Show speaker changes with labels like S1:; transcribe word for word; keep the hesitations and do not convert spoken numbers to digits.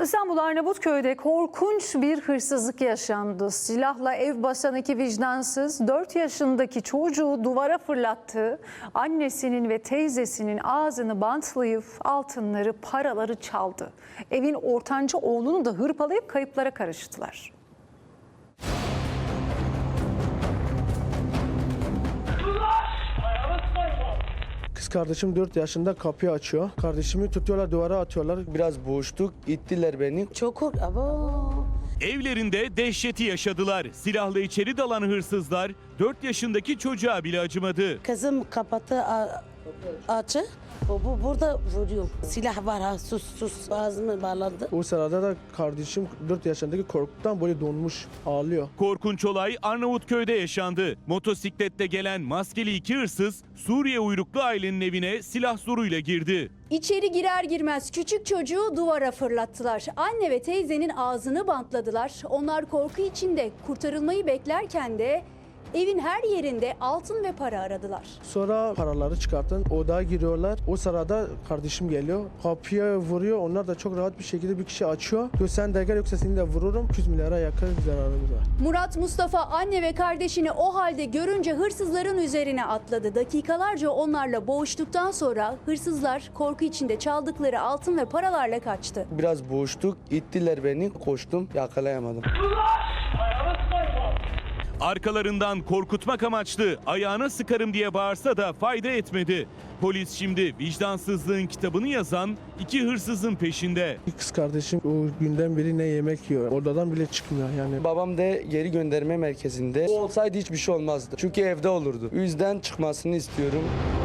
S1: İstanbul Arnavutköy'de korkunç bir hırsızlık yaşandı. Silahla ev basan iki vicdansız dört yaşındaki çocuğu duvara fırlattı. Annesinin ve teyzesinin ağzını bantlayıp altınları, paraları çaldı. Evin ortanca oğlunu da hırpalayıp kayıplara karıştılar.
S2: Kız kardeşim dört yaşında kapıyı açıyor. Kardeşimi tutuyorlar, duvara atıyorlar.
S3: Biraz boğuştuk, ittiler beni.
S4: Çok kork... Abo.
S5: Evlerinde dehşeti yaşadılar. Silahla içeri dalan hırsızlar dört yaşındaki çocuğa bile acımadı.
S4: Kızım kapatı a- açı. Bu, bu burada vuruyor. Silah var ha, sus sus ağzını bağladı.
S2: O sırada da kardeşim dört yaşındaki korkudan böyle donmuş, ağlıyor.
S5: Korkunç olay Arnavutköy'de yaşandı. Motosikletle gelen maskeli iki hırsız Suriye uyruklu ailenin evine silah zoruyla girdi.
S6: İçeri girer girmez küçük çocuğu duvara fırlattılar. Anne ve teyzenin ağzını bantladılar. Onlar korku içinde kurtarılmayı beklerken de evin her yerinde altın ve para aradılar.
S2: Sonra paraları çıkartın, odaya giriyorlar. O sırada kardeşim geliyor, kapıya vuruyor. Onlar da çok rahat bir şekilde bir kişi açıyor. Diyor sen de gel yoksa seni de vururum. iki yüz milyara yakın zararımız var.
S6: Murat Mustafa anne ve kardeşini o halde görünce hırsızların üzerine atladı. Dakikalarca onlarla boğuştuktan sonra hırsızlar korku içinde çaldıkları altın ve paralarla kaçtı.
S3: Biraz boğuştuk, ittiler beni. Koştum, yakalayamadım.
S5: Arkalarından korkutmak amaçlı ayağına sıkarım diye bağırsa da fayda etmedi. Polis şimdi vicdansızlığın kitabını yazan iki hırsızın peşinde.
S2: Bir kız kardeşim o günden beri ne yemek yiyor. Odadan bile çıkmıyor yani.
S3: Babam da geri gönderme merkezinde. O olsaydı hiçbir şey olmazdı. Çünkü evde olurdu. O yüzden çıkmasını istiyorum.